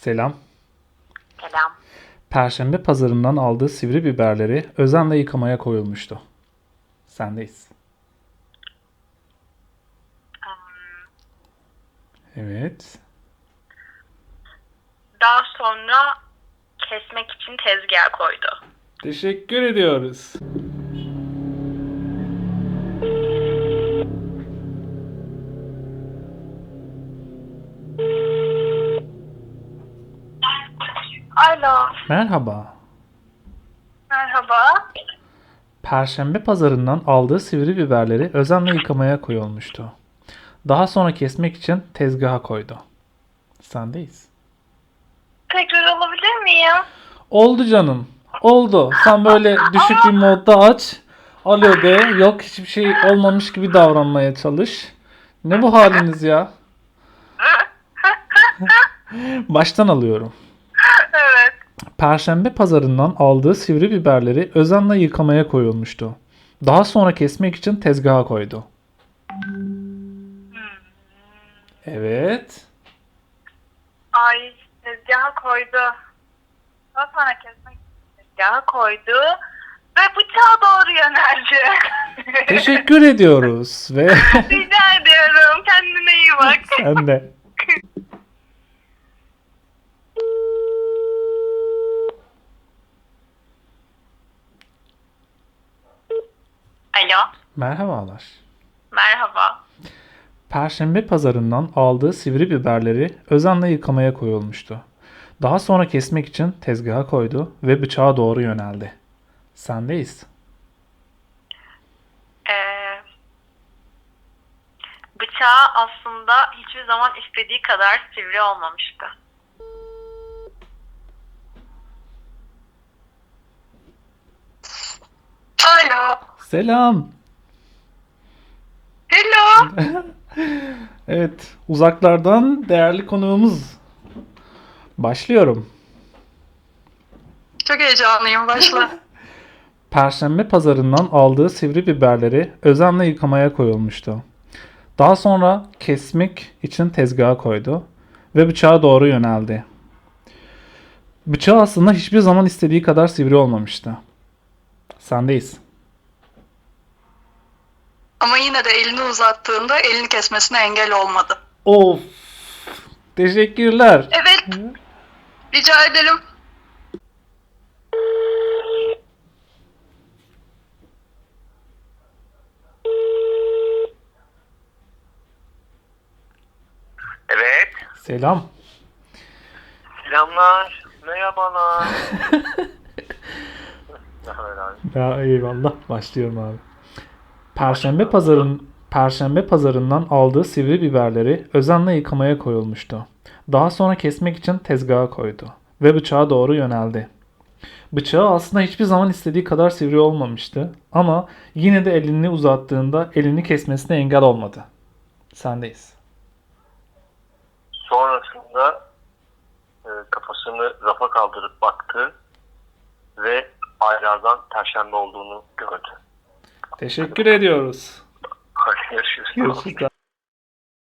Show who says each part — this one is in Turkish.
Speaker 1: Selam.
Speaker 2: Selam.
Speaker 1: Perşembe pazarından aldığı sivri biberleri özenle yıkamaya koyulmuştu. Sendeyiz. Evet.
Speaker 2: Daha sonra kesmek için tezgah koydu.
Speaker 1: Teşekkür ediyoruz.
Speaker 2: Alo.
Speaker 1: Merhaba.
Speaker 2: Merhaba.
Speaker 1: Perşembe pazarından aldığı sivri biberleri özenle yıkamaya koyulmuştu. Daha sonra kesmek için tezgaha koydu. Sendeyiz.
Speaker 2: Tekrar alabilir miyim?
Speaker 1: Oldu canım. Oldu. Sen böyle düşük bir modda aç. Alo de. Yok hiçbir şey olmamış gibi davranmaya çalış. Ne bu haliniz ya? Baştan alıyorum.
Speaker 2: Evet.
Speaker 1: Perşembe pazarından aldığı sivri biberleri özenle yıkamaya koyulmuştu. Daha sonra kesmek için tezgaha koydu. Evet.
Speaker 2: Ay, tezgaha koydu. Daha sonra kesmek için tezgaha koydu. Ve bıçağa doğru yöneldi.
Speaker 1: Teşekkür ediyoruz ve
Speaker 2: Rica ediyorum. Kendine iyi bak.
Speaker 1: sen de.
Speaker 2: Alo.
Speaker 1: Merhabalar.
Speaker 2: Merhaba.
Speaker 1: Perşembe pazarından aldığı sivri biberleri özenle yıkamaya koyulmuştu. Daha sonra kesmek için tezgaha koydu ve bıçağa doğru yöneldi. Sendeyiz.
Speaker 2: Bıçağı aslında hiçbir zaman istediği kadar sivri olmamıştı. Alo.
Speaker 1: Selam.
Speaker 2: Hello.
Speaker 1: Evet, uzaklardan değerli konuğumuz. Başlıyorum.
Speaker 2: Çok heyecanlıyım. Başla.
Speaker 1: Perşembe pazarından aldığı sivri biberleri özenle yıkamaya koyulmuştu. Daha sonra kesmek için tezgaha koydu ve bıçağa doğru yöneldi. Bıçağı aslında hiçbir zaman istediği kadar sivri olmamıştı. Sendeyiz.
Speaker 3: Ama yine de elini uzattığında elini kesmesine engel olmadı.
Speaker 1: Of! Teşekkürler.
Speaker 3: Evet, rica ederim.
Speaker 4: Evet.
Speaker 1: Selam.
Speaker 4: Selamlar. Merhabalar. Ne haber abi?
Speaker 1: Ya eyvallah. Başlıyorum abi. Perşembe pazarından aldığı sivri biberleri özenle yıkamaya koyulmuştu. Daha sonra kesmek için tezgaha koydu ve bıçağa doğru yöneldi. Bıçağı aslında hiçbir zaman istediği kadar sivri olmamıştı ama yine de elini uzattığında elini kesmesine engel olmadı. Sendeyiz.
Speaker 4: Sonrasında kafasını rafa kaldırıp baktı ve aylardan perşembe olduğunu gördü.
Speaker 1: Teşekkür ediyoruz.
Speaker 4: Hadi görüşürüz.
Speaker 1: Görüşürüz.